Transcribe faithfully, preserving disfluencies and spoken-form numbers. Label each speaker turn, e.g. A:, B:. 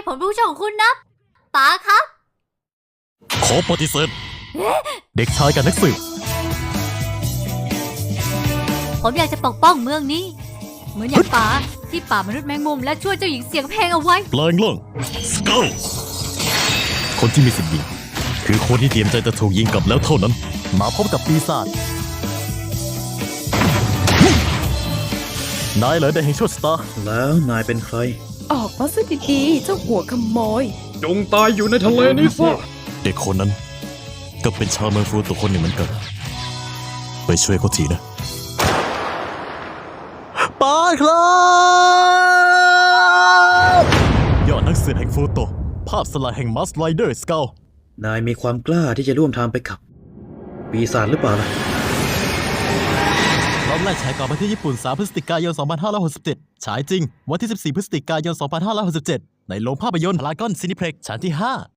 A: ผมรู้ช่องของคุณนะป๋าครับ
B: ขอปฏิเสธเด็กชายกับนักสืบ
A: ผมอยากจะปกป้องเมืองนี้ เหมือนอย่างป๋าที่ป่ามนุษย์แมงมุมและช่วยเจ้าหญิงเสียงเพลงเอาไว้
B: แปลงร่างสเกลคนที่มีสิทธิ์ยิงคือคนที่เตรียมใจจะถูกยิงกลับแล้วเท่านั้น มาพบกับปีศาจนายเหรอเดอะแห่งโชคชะตา
C: แล้วนายเป็นใคร
D: ออกมาซะดีๆเจ้าหัวขโมย
C: จงตายอยู่ในทะเลนี้ซะ
B: เด็กคนนั้นก็เป็นชาวเมืองฟูตัวคนหนึ่งเหมือนกัน ไปช่วยเขาทีนะป้าครับยอดนักสืบแห่งฟูโตภาพสลายแห่งมัสไลเดอร์สเกล
C: นายมีความกล้าที่จะร่วมทางไปกับ ปีศาจหรือเปล่าล่ะ
B: รอบแรกฉายก่อนวันที่ญี่ปุ่นสามพฤศจิกายนสองพันห้าร้อยหกสิบเจ็ดฉายจริงวันที่สิบสี่พฤศจิกายนสองพันห้าร้อยหกสิบเจ็ดในโรงภาพยนตร์พารากอนซินิเพล็กซ์ชั้นที่ห้า